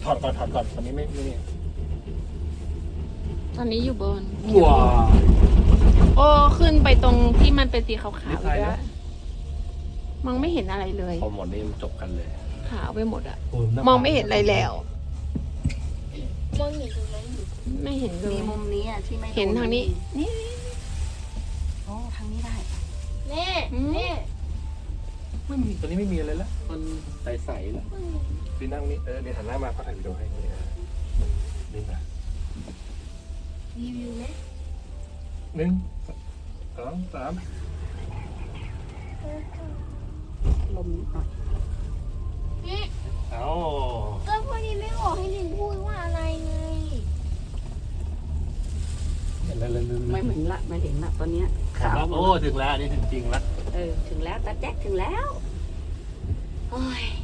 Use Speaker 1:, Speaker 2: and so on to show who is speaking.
Speaker 1: ถอดก่อนตอนนี้ไม่นี่
Speaker 2: ตอนนี้อยู่บน
Speaker 1: ว้า
Speaker 2: โอ้ขึ้นไปตรงที่มันเป็นสีขาว
Speaker 1: ไม่
Speaker 2: ๆ
Speaker 1: ใช่
Speaker 2: แล้
Speaker 1: นะ
Speaker 2: วมองไม่เห็นอะไรเลย
Speaker 1: พอหมดนี่จบกันเลย
Speaker 2: ขาวไปหมดอะ
Speaker 1: โยหน้า
Speaker 2: มองไม่เห็นอะไรแล้ว
Speaker 3: มองเห็นตรงนั้นอยู่
Speaker 2: ไม่เห็นเล
Speaker 4: มี
Speaker 2: ย
Speaker 4: มุมนี้อ่ะที่ไม่
Speaker 2: เห็นทางนี้ นี่
Speaker 4: โอ้ทางนี้ได้
Speaker 3: แม่แม่
Speaker 1: ไม่มีตอนนี้ไม่มีอะไรแล้วมันใสๆแล้วพี่นั่งนี่เดี๋ยวหันหน้ามาก็ถ่ายวิดีโอให้นี่นี่นะ
Speaker 3: รีวิวไหม
Speaker 1: 1 2 3
Speaker 4: ลมนิดหน่อย
Speaker 1: เอา
Speaker 3: ก็พอดีไม่บอกให้ลินพูดว่าอะไรไง
Speaker 4: ไม่เหมือนละไม่เห็นละตอนเนี้ยขาว
Speaker 1: โอ้ถึงแล้วอันนี้ถึงจริงแล้ว
Speaker 4: ถึงแล้วตาแจ๊กถึงแล้วโอ้ย